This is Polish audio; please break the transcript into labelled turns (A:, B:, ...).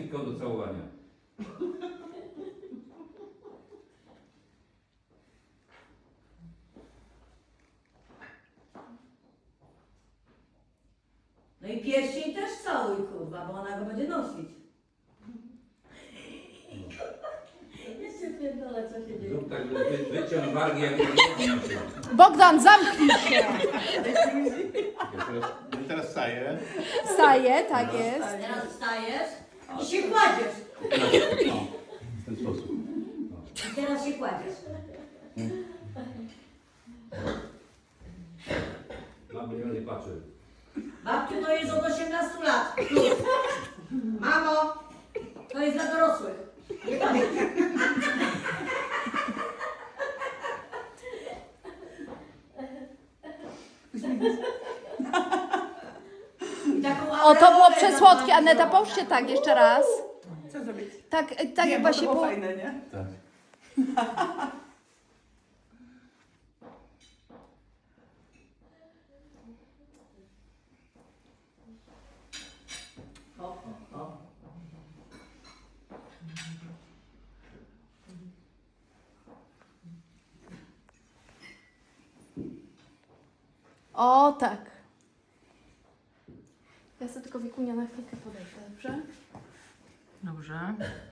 A: tylko do całowania.
B: No i pierścień też całuj, kurwa, bo ona go będzie nosić. Jeszcze pierdolę, co się dzieje.
A: Zrób tak, wyciąg wargi jak
C: Bogdan, zamknij się.
D: Teraz wstaję.
C: Wstaje, tak jest.
B: Teraz wstajesz i się kładziesz.
D: W ten sposób.
B: I teraz się kładziesz.
A: Mam miliony patrzy.
B: Babciu, to jest od 18 lat. Plus. Mamo, to jest dla dorosłych. Nie pamiętam. I taką
C: O, to było
B: aureolę
C: przesłodkie.
B: tam
C: Aneta,
B: mam
C: połóżcie tak, jeszcze raz.
E: Co zrobić?
C: Tak,
E: Nie,
C: tak jak
E: bo to
C: właśnie
E: było
C: po...
E: fajne, nie?
D: Tak.
B: O, o, o.
C: O, tak. Ja sobie tylko Wikunia na chwilkę podejdę, dobrze?
E: Dobrze.